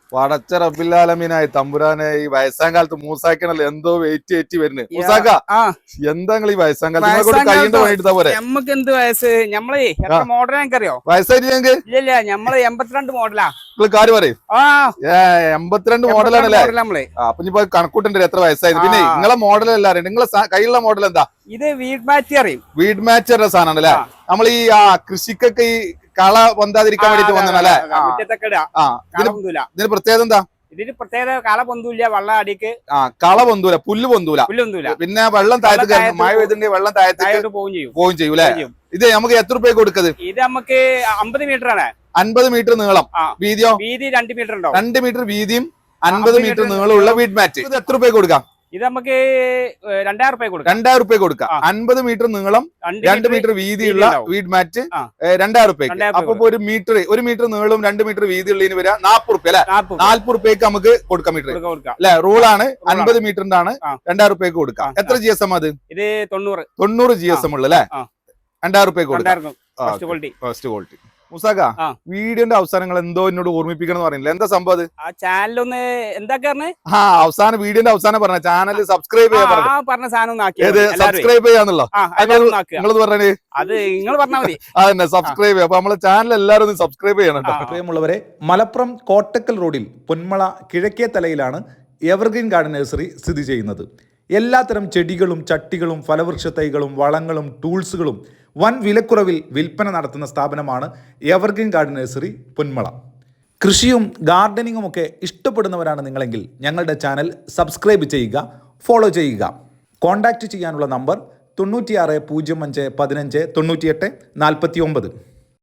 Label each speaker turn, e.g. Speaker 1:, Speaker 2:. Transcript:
Speaker 1: പടച്ച റബ്ബില്ലാലമീനായി തമ്പുരാനെ ഈ വയസ്സാം കാലത്ത് മൂസാക്കണല്ലോ എന്തോ വെയിറ്റ് വരുന്നത്. മൂസാക്ക എന്താ ഈ വയസ്സാം കാലത്ത് കൈകൊണ്ട് പണിയെടുത്താ പോരെ?
Speaker 2: നമുക്ക് എന്ത് വയസ്സ്? നമ്മളെ മോഡൽ എനിക്കറിയോ?
Speaker 1: വയസ്സായിട്ട് ഞങ്ങൾക്ക്
Speaker 2: ഇല്ല നമ്മള് 82 മോഡലാ.
Speaker 1: കാര് പറയും 82 മോഡലാണല്ലേ? അപ്പൊ ഇനിയിപ്പോ കണക്കൂട്ടുണ്ട് എത്ര വയസ്സായത്. പിന്നെ നിങ്ങളെ മോഡൽ എല്ലാരും നിങ്ങളെ കയ്യിലുള്ള മോഡൽ എന്താ?
Speaker 2: ഇത് വീഡ് മാച്ച് അറിയും.
Speaker 1: വീഡ് മാച്ചറുടെ സാധനമാണ് അല്ലേ? നമ്മൾ ഈ കൃഷിക്കൊക്കെ ഈ കള പൊന്താതിരിക്കാൻ വേണ്ടിട്ട് വന്നല്ലേ? ഇതിന് പ്രത്യേകത എന്താ?
Speaker 2: ഇതിന് പ്രത്യേകത കള പൊന്തൂല്ല, വെള്ളം അടിക്ക്
Speaker 1: കള പൊന്തൂല, പുല്ല് പൊന്തൂല. പിന്നെ വെള്ളം താഴത്ത് മഴ പെയ്തിട്ടുണ്ടെങ്കിൽ വെള്ളം താഴത്തേക്ക് പോവുകയും ചെയ്യും അല്ലെ? ഇത് നമുക്ക് എത്ര രൂപയ്ക്ക് കൊടുക്കത്?
Speaker 2: ഇത് നമുക്ക് 50 മീറ്റർ ആണ്.
Speaker 1: 50 മീറ്റർ നീളം. വീതിയോ?
Speaker 2: വീതി 2 മീറ്റർ ഉണ്ടാവും.
Speaker 1: 2 മീറ്റർ വീതിയും 50 മീറ്റർ നീളമുള്ള വീഡ് മാറ്റ്. ഇത് എത്ര രൂപയ്ക്ക് കൊടുക്കാം?
Speaker 2: ഇത് നമുക്ക് 2000 രൂപ കൊടുക്കാം.
Speaker 1: 2000 രൂപ കൊടുക്കാം. 50 മീറ്റർ നീളം 2 മീറ്റർ വീതിയുള്ള വീഡ് മാറ്റ് 2000 രൂപയ്ക്ക്. അപ്പൊ ഒരു മീറ്റർ നീളവും 2 മീറ്റർ വീതിയുള്ളതിന് വരാം 40 രൂപ അല്ലെ? 40 രൂപയ്ക്ക് നമുക്ക് കൊടുക്കാം മീറ്റർ അല്ലെ? റൂളാണ്. 50 മീറ്ററിന്റെ ആണ് 2000 രൂപയ്ക്ക് കൊടുക്കാം. എത്ര GSM അത്?
Speaker 2: ഇത് 90
Speaker 1: GSM ഉള്ളു അല്ലെ? 2000 രൂപയ്ക്ക് കൊടുക്കാം. First quality. മുസാക്ക, വീഡിയോന്റെ അവസാനങ്ങൾ എന്തോ എന്നോട് ഓർമ്മിപ്പിക്കണം എന്ന് പറയുന്നില്ല, എന്താ സംഭവം?
Speaker 2: ആ ചാനലൊന്ന് എന്താ
Speaker 1: അവസാനം വീഡിയോന്റെ അവസാനം പറഞ്ഞ ചാനൽ സബ്സ്ക്രൈബ്
Speaker 2: പറഞ്ഞ സാധനം
Speaker 1: സബ്സ്ക്രൈബ് ചെയ്യാന്നുള്ളോ? നിങ്ങളത് പറഞ്ഞേ,
Speaker 2: അത് നിങ്ങൾ പറഞ്ഞാൽ മതി.
Speaker 1: അതന്നെ സബ്സ്ക്രൈബ് ചെയ്യാം. അപ്പൊ നമ്മളെ ചാനൽ എല്ലാവരും ഒന്ന് സബ്സ്ക്രൈബ് ചെയ്യണം.
Speaker 3: പ്രിയമുള്ളവരെ, മലപ്പുറം കോട്ടക്കൽ റോഡിൽ പൊന്മള കിഴക്കേ തലയിലാണ് എവർഗ്രീൻ ഗാർഡൻ നഴ്സറി സ്ഥിതി ചെയ്യുന്നത്. എല്ലാത്തരം ചെടികളും ചട്ടികളും ഫലവൃക്ഷ തൈകളും വളങ്ങളും ടൂൾസുകളും വൻ വിലക്കുറവിൽ വിൽപ്പന നടത്തുന്ന സ്ഥാപനമാണ് എവർഗ്രീൻ ഗാർഡൻ നഴ്സറി പൊന്മള. കൃഷിയും ഗാർഡനിങ്ങും ഒക്കെ ഇഷ്ടപ്പെടുന്നവരാണ് നിങ്ങളെങ്കിൽ ഞങ്ങളുടെ ചാനൽ സബ്സ്ക്രൈബ് ചെയ്യുക, ഫോളോ ചെയ്യുക. കോൺടാക്റ്റ് ചെയ്യാനുള്ള നമ്പർ 96 05 15 98 49.